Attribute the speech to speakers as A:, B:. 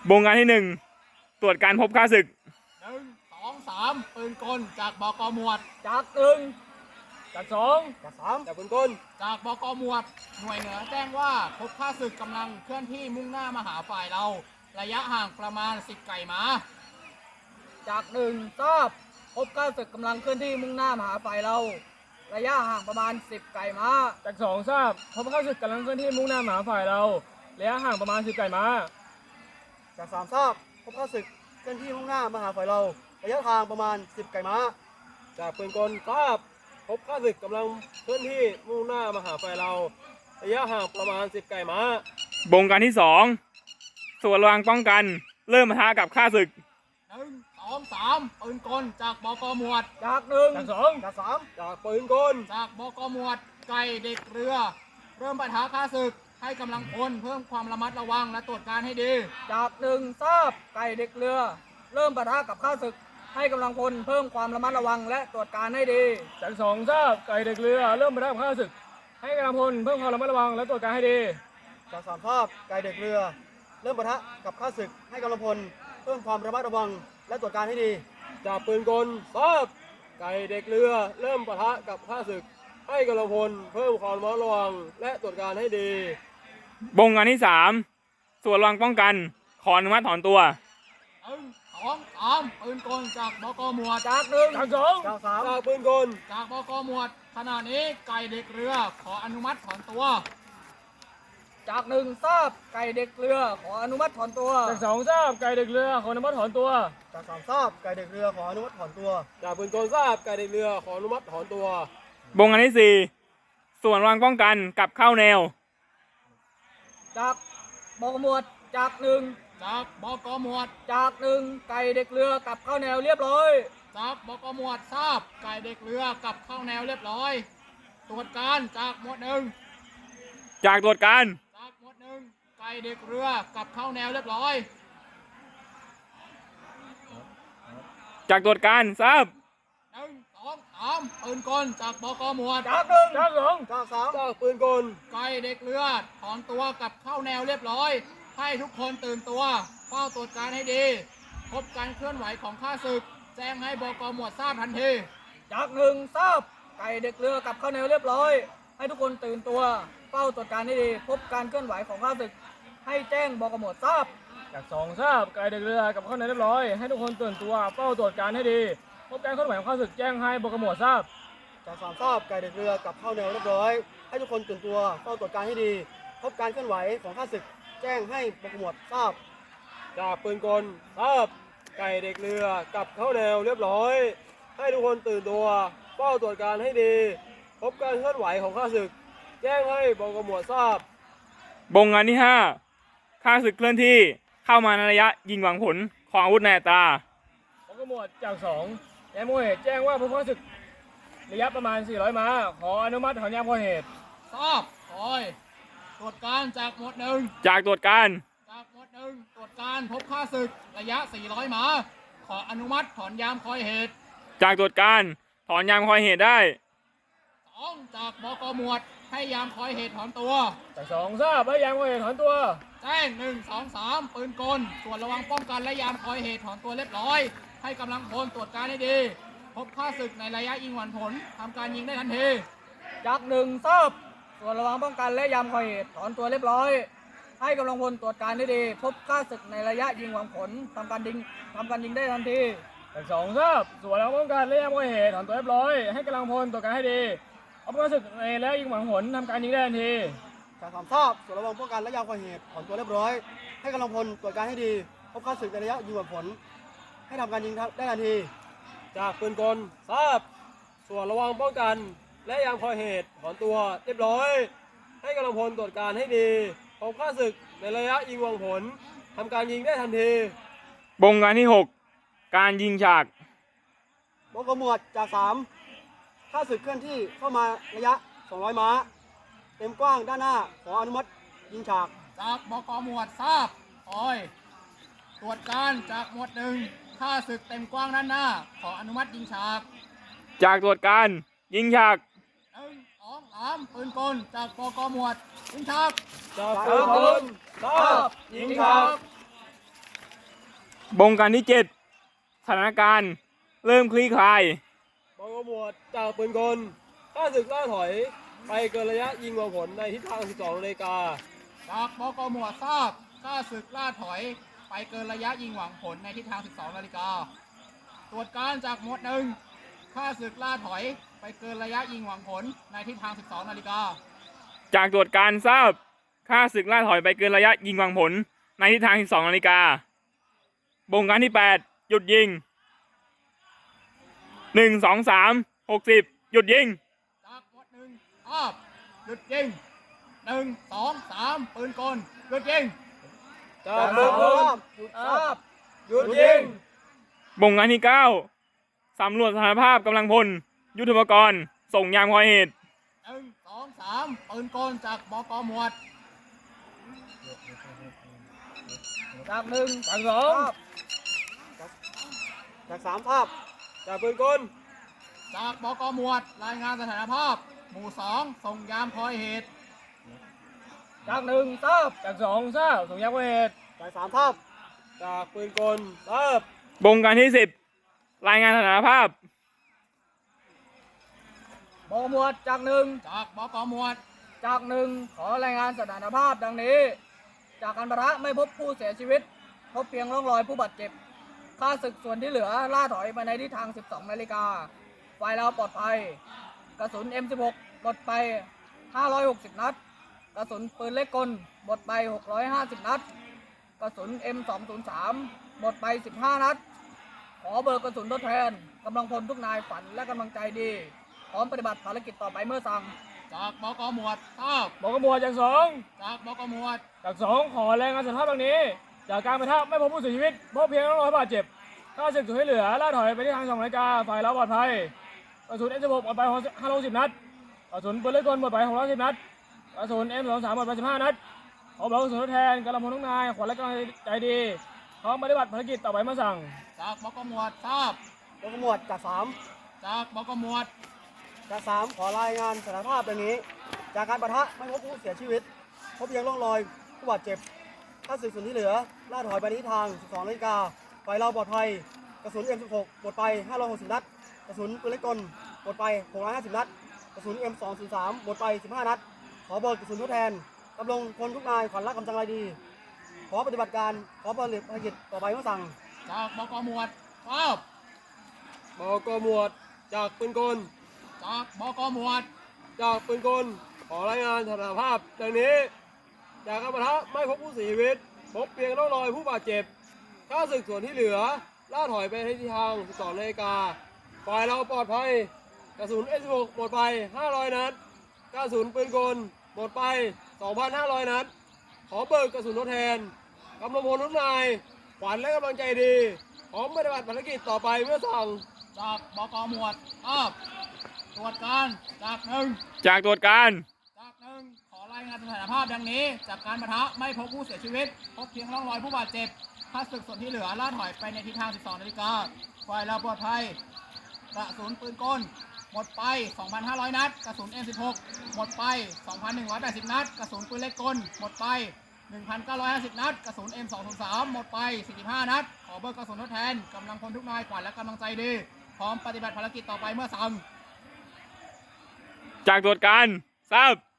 A: บงการที่1ตรวจการพบข้าศึก
B: 1 2 3 ปืนกลจากบก.หมวด
C: จากหนึ่งจากสองจากสามจากปืนกล
B: จากบก.หมวด หน่วยเหนือแจ้งว่าพบข้าศึกกำลังเคลื่อนที่มุ่งหน้ามาหาฝ่ายเรา ระยะห่างประมาณ10 ไก่ม้า
C: จากหนึ่งทราบพบข้าศึกกำลังเคลื่อนที่มุ่งหน้ามาหาฝ่ายเรา ระยะห่างประมาณ10 ไก่ม้า
D: จากสองทราบพบข้าศึกกำลังเคลื่อนที่มุ่งหน้ามาหาฝ่ายเราระยะห่างประมาณ10 ไก่ม้า
C: จากสามทราบพบข้าศึกเคลื่อนที่มุ่งหน้ามาหาฝ่ายเรา ระยะทางประมาณ10 ไก่ม้า
D: จากปืนกลทราบพบข้าศึกกำลังเคลื่อนที่มุ่งหน้ามาหาฝ่ายเราระยะห่างประมาณ10 ไก่ม้า
A: บงการที่2ส่วนระวังป้องกันเริ่มปะทะกับข้าศึก
B: 1 2 3 ปืนกลจากบก.หมวด
C: จากหนึ่ง
D: จากสอง
C: จากสาม
D: จากปืนกล
B: จากบก.หมวด ไก่เด็กเรือ เริ่มปะทะข้าศึกให้กำลังพลเพิ่มความระมัดระวังและตรวจการให้ดี
C: จากหนึ่งทราบไก่เด็กเรือ เริ่มปะทะกับข้าศึกให้กำลังพลเพิ่มความระมัดระวังและตรวจการให้ดี
D: จากสองทราบไก่เด็กเรือเริ่มปะทะกับข้าศึกให้กำลังพลเพิ่มความระมัดระวังและตรวจการให้ดี
C: จากสามทราบไก่เด็กเรือ เริ่มปะทะกับข้าศึกให้กำลังพลเพิ่มความระมัดระวังและตรวจการให้ดี
D: จากปืนกลทราบไก่เด็กเรือเริ่มปะทะกับข้าศึกให้กำลังพลเพิ่มความระมัดระวังและตรวจการให้ดี
A: บงการที่3ส่วนระวังป้องกันขออนุมัติถอนตัว
B: 1 2 3 ปืนกลจากบก.หมวด
C: จากหนึ่ง
D: จากสอง
C: จากสาม
D: จากปืนกล
B: จากบก.หมวด ขณะนี้ไก่เด็กเรือขออนุมัติถอนตัว
C: จากหนึ่งทราบไก่เด็กเรือขออนุมัติถอนตัว
D: จากสองทราบไก่เด็กเรือขออนุมัติถอนตัว
C: จากสามทราบไก่เด็กเรือขออนุมัติถอนตัว
D: จากปืนกลทราบไก่เด็กเรือขออนุมัติถอนตัว
A: บงการที่4ส่วนระวังป้องกันกลับเข้าแนว
C: จากบกหมวดจากหนึ่ง
B: จากบก.หมวด
C: จากหนึ่งไก่เด็กเรือกลับเข้าแนวเรียบร้อย
B: จากบก.หมวดทราบไก่เด็กเรือกลับเข้าแนวเรียบร้อย ตรวจการจากหมวด 1
A: จากตรวจการ
B: จากหมวด 1ไก่เด็กเรือกลับเข้าแนวเรียบร้อย
A: จากตรวจการทราบ
B: 1 2 3 ปืนกลจากบก.หมวด
C: จากหนึ่ง
D: จากสอง
C: จากสาม
D: จากปืนกล
B: ไก่เด็กเรือถอนตัวกลับเข้าแนวเรียบร้อย ให้ทุกคนตื่นตัวเฝ้าตรวจการให้ดีพบการเคลื่อนไหวของข้าศึกแจ้งให้บก.หมวดทราบทันที
C: จากหนึ่งทราบไก่เด็กเรือกลับเข้าแนวเรียบร้อยให้ทุกคนตื่นตัวเฝ้าตรวจการให้ดีพบการเคลื่อนไหวของข้าศึกให้แจ้งบก.หมวดทราบ
D: จากสองทราบไก่เด็กเรือกลับเข้าแนวเรียบร้อยให้ทุกคนตื่นตัวเฝ้าตรวจการให้ดีพบการเคลื่อนไหวของข้าศึกแจ้งให้บก.หมวดทราบ
C: จากสามทราบไก่เด็กเรือกลับเข้าแนวเรียบร้อยให้ทุกคนตื่นตัวเฝ้าตรวจการให้ดีพบการเคลื่อนไหวของข้าศึกแจ้งให้บก.หมวดทราบ
D: จากปืนกลทราบไก่เด็กเรือกลับเข้าแนวเรียบร้อยให้ทุกคนตื่นตัวเฝ้าตรวจการให้ดีพบการเคลื่อนไหวของข้าศึกแจ้งให้บก.หมวดทราบบ
A: งการที่5ข้าศึกเคลื่อนที่เข้ามาในระยะยิงหวังผลของอาวุธในอัตรา
D: บก.หมวดจากสองยามพอเหตุแจ้งว่าพบข้าศึกระยะประมาณ400 ม้าขออนุมัติถอนยามพอเหตุ
B: ทราบคอยตรวจการจากหมวด 1
A: จากตรวจการ
B: จากหมวด 1ตรวจการพบข้าศึกระยะ400 ม้าขออนุมัติถอนยามคอยเหตุ
A: จากตรวจการถอนยามคอยเหตุได้
B: 2จากบก.หมวดให้ยามคอยเหตุถอนตัว
D: จากสองทราบให้ยามคอยเหตุถอนตัว
B: แจ้ง1 2 3 ปืนกลส่วนระวังป้องกันและยามคอยเหตุถอนตัวเรียบร้อยให้กำลังพลตรวจการให้ดีพบข้าศึกในระยะยิงหวังผลทำการยิงได้ทันที
C: จากหนึ่งทราบส่วนระวังป้องกันและยามคอยเหตุถอนตัวเรียบร้อยให้กำลังพลตรวจการให้ดีพบข้าศึกในระยะยิงหวังผลทำการยิงได้ทันที
D: จากสองทราบส่วนระวังป้องกันและยามคอยเหตุถอนตัวเรียบร้อยให้กำลังพลตรวจการให้ดีพบข้าศึกในระยะยิงหวังผลทำการยิงได้ทันที
C: จากสามทราบส่วนระวังป้องกันและยามคอยเหตุถอนตัวเรียบร้อยให้กำลังพลตรวจการให้ดีพบข้าศึกในระยะยิงหวังผลให้ทำการยิงได้ทันที
D: จากปืนกลทราบส่วนระวังป้องกันและยามคอยเหตุถอนตัวเรียบร้อยให้กำลังพลตรวจการให้ดีพบข้าศึกในระยะยิงหวังผลทำการยิงได้ทันที
A: บงการที่6การยิงฉาก
C: บก.หมวดจาก3ข้าศึกเคลื่อนที่เข้ามาระยะ200 ม้าเต็มกว้างด้านหน้าขออนุมัติยิงฉาก
B: จากบก.หมวดทราบคอยตรวจการจากหมวด 1ข้าศึกเต็มกว้างด้านหน้าขออนุมัติยิงฉาก
A: จากตรวจการยิงฉาก
B: 1 2 3 ปืนกลจากบก.หมวดยิงฉาก
D: จากปืนกลทราบยิงฉาก
A: บงการที่ 7 สถานการณ์เริ่มคลี่คลาย
D: บกหมวดจากปืนกลข้าศึกล่าถอยไปเกินระยะยิงหวังผลในทิศทาง 12 นาฬิกา
B: จากบกหมวดทราบข้าศึกล่าถอยไปเกินระยะยิงหวังผลในทิศทาง 12 นาฬิกา ตรวจการจากหมวดหนึ่งข้าศึกล่าถอยไปเกินระยะยิงหวังผลในทิศทาง 12 นาฬิกา
A: จากตรวจการทราบค่าศึกล่าถอยไปเกินระยะยิงวางผลในทิศทาง 12 นาฬิกา บงการที่ 8 หยุดยิง 1 2 3 60 หยุดยิง
B: จากหมวดหนึ่งทราบหยุดยิง 1 2 3 ปืนกลหยุดยิง
D: จากปืนกล
C: หยุดทราบ
D: หยุดยิง
A: บงการที่ 9 สำรวจสถานภาพกำลังพล ยุทโธปกรณ์ ส่งยามคอยเหตุ
B: 1 2 3 ปืนกลจากบกหมวด
C: จากหนึ่ง
D: จากสอง จากสามภาพ จากปืนกล
B: จากบกหมวดรายงานสถานภาพ หมู่ 2 ส่งยามคอยเหตุ
C: จากหนึ่งทราบ
D: จากสองทราบส่งยามเหตุ จากสามภาพ จากปืนกลทราบบ
A: งการที่ 10 รายงานสถานภาพ
C: บกหมวดจากหนึ่ง
B: จากบกหมวด
C: จากหนึ่งขอรายงานสถานภาพดังนี้ จากการปะทะไม่พบผู้เสียชีวิต พบเพียงร่องรอยผู้บาดเจ็บข้าศึกส่วนที่เหลือล่าถอยไปในทิศทาง 12 นาฬิกาฝ่ายเราปลอดภัย กระสุน M16 หมดไป 560 นัด กระสุนปืนเล็กกลหมดไป 650 นัด กระสุน M203 หมดไป 15 นัด ขอเบิกกระสุนทดแทนกำลังพลทุกนายฝันและกำลังใจดี พร้อมปฏิบัติภารกิจต่อไปเมื่อสั่ง
B: จากบกหมวดทราบบ
D: กหมวดจากสอง
B: จากบกหมวด
D: จากสองขอรายงานสถานภาพดังนี้ จากการปะทะไม่พบผู้เสียชีวิต พบเพียงร่องรอยบาดเจ็บข้าศึกส่วนที่เหลือล่าถอยไปที่ทาง 2 นาฬิกาฝ่ายเราปลอดภัย กระสุน M16 หมดไป560 นัด กระสุนปืนเล็กกลหมดไป610 นัด กระสุน M23 หมดไป15 นัด ขอเบิกกระสุนทดแทนกำลังพลทุกนายขวัญและกำลังใจดีพร้อมปฏิบัติภารกิจต่อไปเมื่อสั่ง
B: จากบกหมวดทราบบ
C: กหมวดจากสาม
B: จากบกหมวด
C: จาก3ขอรายงานสถานภาพดังนี้ จากการปะทะไม่พบผู้เสียชีวิต พบเพียงร่องรอยผู้บาดเจ็บข้าศึกส่วนที่เหลือล่าถอยไปในทิศทาง 12 นาฬิกาฝ่ายเราปลอดภัย กระสุน M16 หมดไป 560 นัด กระสุนปืนเล็กกลหมดไป 650 นัด กระสุน M203 หมดไป 15 นัด ขอเบิกกระสุนทดแทนกำลังพลทุกนายขวัญและกำลังใจดี ขอปฏิบัติการขอปฏิบัติภารกิจต่อไปเมื่อสั่ง
B: จากบกหมวดทราบบ
D: กหมวดจากปืนกล
B: จากบกหมวด
D: จากปืนกลขอรายงานสถานภาพดังนี้ จากการปะทะไม่พบผู้เสียชีวิต พบเพียงร่องรอยผู้บาดเจ็บข้าศึกส่วนที่เหลือล่าถอยไปในทิศทาง 12 นาฬิกาฝ่ายเราปลอดภัย กระสุน M16 หมดไป 500 นัด กระสุนปืนกลหมดไป 2,500 นัด ขอเบิกกระสุนทดแทนกำลังพลทุกนายขวัญและกำลังใจดีพร้อมปฏิบัติภารกิจต่อไปเมื่อสั่ง
B: จากบกหมวดทราบตรวจการจากหนึ่ง
A: จากตรวจการ
B: จากหนึ่งขอรายงานสถานภาพดังนี้ จากการปะทะไม่พบผู้เสียชีวิต พบเพียงร่องรอยผู้บาดเจ็บข้าศึกส่วนที่เหลือล่าถอยไปในทิศทาง 12 นาฬิกาฝ่ายเราปลอดภัย กระสุนปืนกลหมดไป 2,500 นัด กระสุน M16 หมดไป 2,180 นัด กระสุนปืนเล็กกลหมดไป 1,950 นัด กระสุน M203 หมดไป 45 นัด ขอเบิกกระสุนทดแทนกำลังพลทุกนายขวัญและกำลังใจดี พร้อมปฏิบัติภารกิจต่อไปเมื่อสั่ง
A: จากตรวจการทราบ